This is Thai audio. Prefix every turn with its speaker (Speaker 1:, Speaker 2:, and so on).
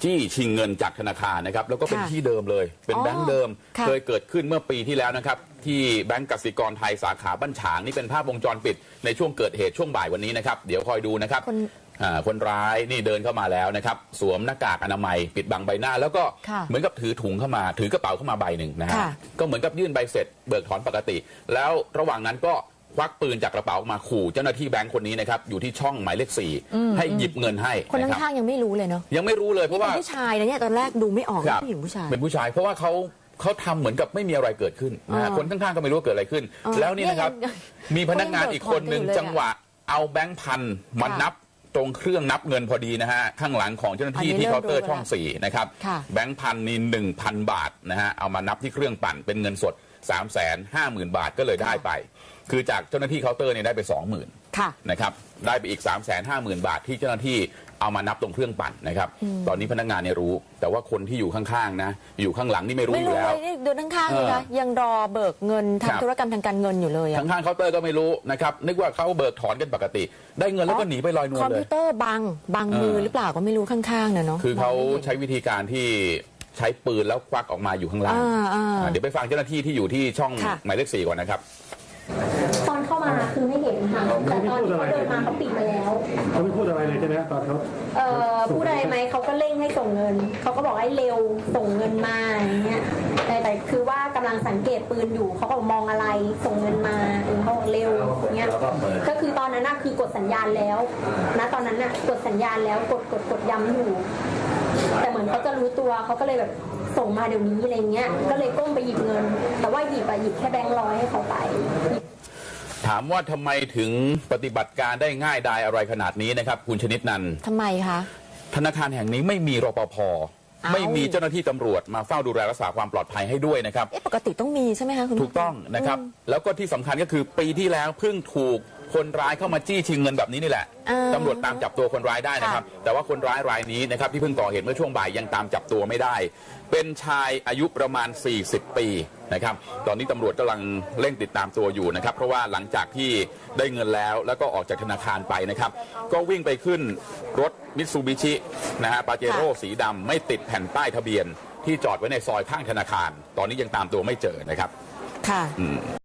Speaker 1: จี้ชิงเงินจากธนาคารนะครับแล้วก็เป็นที่เดิมเลยเป็นแบงค์เดิมเคยเกิดขึ้นเมื่อปีที่แล้วนะครับที่แบงก์กสิกรไทยสาขาบ้านฉางนี่เป็นภาพวงจรปิดในช่วงเกิดเหตุช่วงบ่ายวันนี้นะครับเดี๋ยวคอยดูนะครับคนร้ายนี่เดินเข้ามาแล้วนะครับสวมหน้ากากอนามัยปิดบังใบหน้าแล้วก็เหมือนกับถือถุงเข้ามาถือกระเป๋าเข้ามาใบหนึ่งนะฮะก็เหมือนกับยื่นใบเสร็จเบิกถอนปกติแล้วระหว่างนั้นก็ควักปืนจากกระเป๋ามาขู่เจ้าหน้าที่แบงค์คนนี้นะครับอยู่ที่ช่องหมายเลข 4ให้หยิบเงินให้
Speaker 2: คนข้างๆยังไม่รู้เลยเนาะ
Speaker 1: ยังไม่รู้เลยเพราะว่า
Speaker 2: ผู้ชายนะเนี่ยตอนแรกดูไม่ออกว่าผู้หญิงผู้ชาย
Speaker 1: เป็นผู้ชายเพราะว่าเขาทำเหมือนกับไม่มีอะไรเกิดขึ้นคนข้างๆก็ไม่รู้ว่าเกิดอะไรขึ้นแล้วนี่นะครับมีพนักงานอีกคนหนึ่งจังหวะเอาแบงค์พันมานับตรงเครื่องนับเงินพอดีนะฮะข้างหลังของเจ้าหน้าที่ที่เคาน์เตอร์ช่อง4นะครับแบงค์พันนี่ 1,000 บาทนะฮะเอามานับที่เครื่องปั่นเป็นเงินสด 350,000 บาทก็เลยได้ไปคือจากเจ้าหน้าที่เคาน์เตอร์เนี่ยได้ไป 20,000นะครับได้ไปอีก 350,000 บาทที่เจ้าหน้าที่เอามานับตรงเครื่องปั่นนะครับตอนนี้พนักงานเนี่ยรู้แต่ว่าคนที่อยู่ข้างๆนะอยู่ข้างหลังนี่ไม่รู้อยู่แล้ว
Speaker 2: เดินข้างๆเลยนะยังรอเบิกเงินทำธุรกรรมทางการเงินอยู่เลย
Speaker 1: ข้างๆเคาน์เตอร์ก็ไม่รู้นะครับนึกว่าเขาเบิกถอนกันปกติได้เงินแล้วก็หนีไปลอยนวลเลย
Speaker 2: คอมพิวเตอร์บังมือหรือเปล่าก็ไม่รู้ข้างๆเนาะ
Speaker 1: คือเขาใช้วิธีการที่ใช้ปืนแล้วควักออกมาอยู่ข้างล่างเดี๋ยวไปฟังเจ้าหน้าที่ที่อยู่ที่ช่องหมายเลข 4ก่อนนะครับ
Speaker 3: ตอนเข้ามาคือไม่เห็นค่ะแต่ตอนที่เขาเดินมาเขาปิดมาแล้ว
Speaker 4: เขาไม่พูดอะไรเลยใช่ไหมตอนเขา
Speaker 3: พูดอะไรไหมเขาก็เร่งให้ส่งเงินเขาก็บอกให้เร็วส่งเงินมาอย่างเงี้ยแต่คือว่ากำลังสังเกตปืนอยู่เขาก็มองอะไรส่งเงินมาเขาบอกเร็วเงี้ยก็คือตอนนั้นน่ะคือกดสัญญาณแล้วนะตอนนั้นน่ะกดสัญญาณแล้วกดย้ำอยู่แต่เหมือนเขาจะรู้ตัวเขาก็เลยแบบส่งมาเดี๋ยวนี้อะไรเงี้ยก็เลยก้มไปหยิบเงินแต่ว่าหยิบแค่แบงค์100ให้เขาไป
Speaker 1: ถามว่าทำไมถึงปฏิบัติการได้ง่ายดายอะไรขนาดนี้นะครับคุณชนิดนัน
Speaker 2: ทำไมคะ
Speaker 1: ธนาคารแห่งนี้ไม่มีรปภ.ไม่มีเจ้าหน้าที่ตำรวจมาเฝ้าดูแลรักษาความปลอดภัยให้ด้วยนะครับ
Speaker 2: ปกติต้องมีใช่ไหมคะคุณ
Speaker 1: ถูกต้องนะครับแล้วก็ที่สำคัญก็คือปีที่แล้วเพิ่งถูกคนร้ายเข้ามาจี้ชิงเงินแบบนี้นี่แหละตำรวจตามจับตัวคนร้ายได้นะครับแต่ว่าคนร้ายรายนี้นะครับที่เพิ่งก่อเหตุเมื่อช่วงบ่ายยังตามจับตัวไม่ได้เป็นชายอายุประมาณ40 ปีนะครับตอนนี้ตำรวจกำลังเร่งติดตามตัวอยู่นะครับเพราะว่าหลังจากที่ได้เงินแล้วก็ออกจากธนาคารไปนะครับก็วิ่งไปขึ้นรถมิตซูบิชินะฮะปาเจโร่สีดำไม่ติดแผ่นป้ายทะเบียนที่จอดไว้ในซอยข้างธนาคารตอนนี้ยังตามตัวไม่เจอนะครับ
Speaker 2: ค่ะ